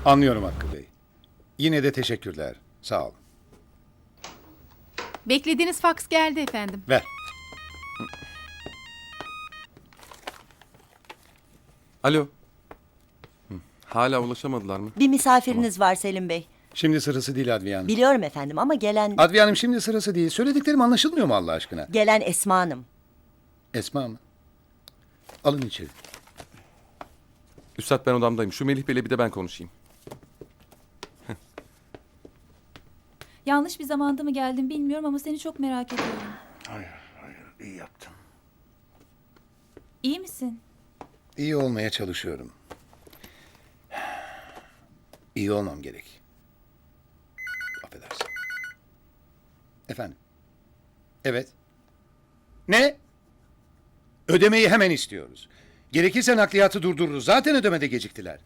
Anlıyorum Hakkı Bey. Yine de teşekkürler. Sağ olun. Beklediğiniz faks geldi efendim. Ver. Alo. Hala ulaşamadılar mı? Bir misafiriniz var Selim Bey. Şimdi sırası değil Adviye Hanım. Biliyorum efendim ama Adviye Hanım şimdi sırası değil. Söylediklerim anlaşılmıyor mu Allah aşkına? gelen Esma Hanım. Esma mı? Alın içeri. Üstad ben odamdayım. Şu Melih Bey'le bir de ben konuşayım. Yanlış bir zamanda mı geldim bilmiyorum ama seni çok merak ediyorum. Hayır, iyi yaptın. İyi misin? İyi olmaya çalışıyorum. İyi olmam gerek. Affedersin. Efendim? Evet. Ne? Ödemeyi hemen istiyoruz. Gerekirse nakliyatı durdururuz. Zaten ödemede geciktiler.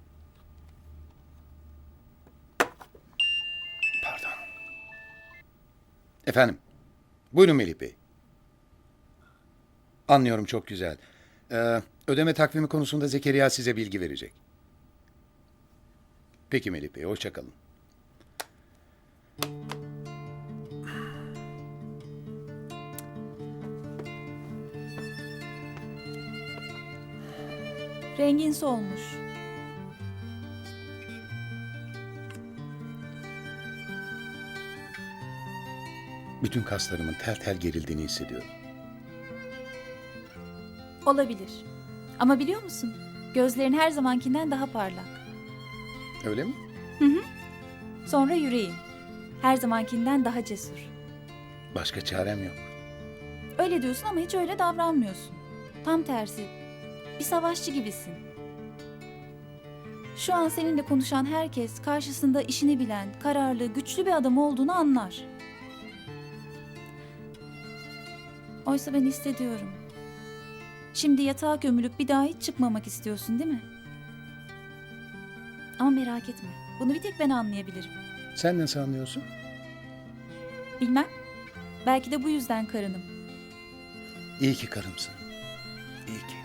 Pardon. Efendim? Buyurun Melih Bey. Anlıyorum, çok güzel. Ödeme takvimi konusunda Zekeriya size bilgi verecek. Peki Melih Bey, hoşça kalın. Rengin solmuş. Bütün kaslarımın tel tel gerildiğini hissediyorum. Olabilir. Ama biliyor musun? Gözlerin her zamankinden daha parlak. Öyle mi? Sonra yüreğin. Her zamankinden daha cesur. Başka çarem yok. Öyle diyorsun ama hiç öyle davranmıyorsun. Tam tersi. Bir savaşçı gibisin. Şu an seninle konuşan herkes karşısında işini bilen, kararlı, güçlü bir adam olduğunu anlar. Oysa ben hissediyorum. Şimdi yatağa gömülüp bir daha hiç çıkmamak istiyorsun değil mi? Ama merak etme. Bunu bir tek ben anlayabilirim. Sen nasıl anlıyorsun? Bilmem. Belki de bu yüzden karınım. İyi ki karımsın. İyi ki.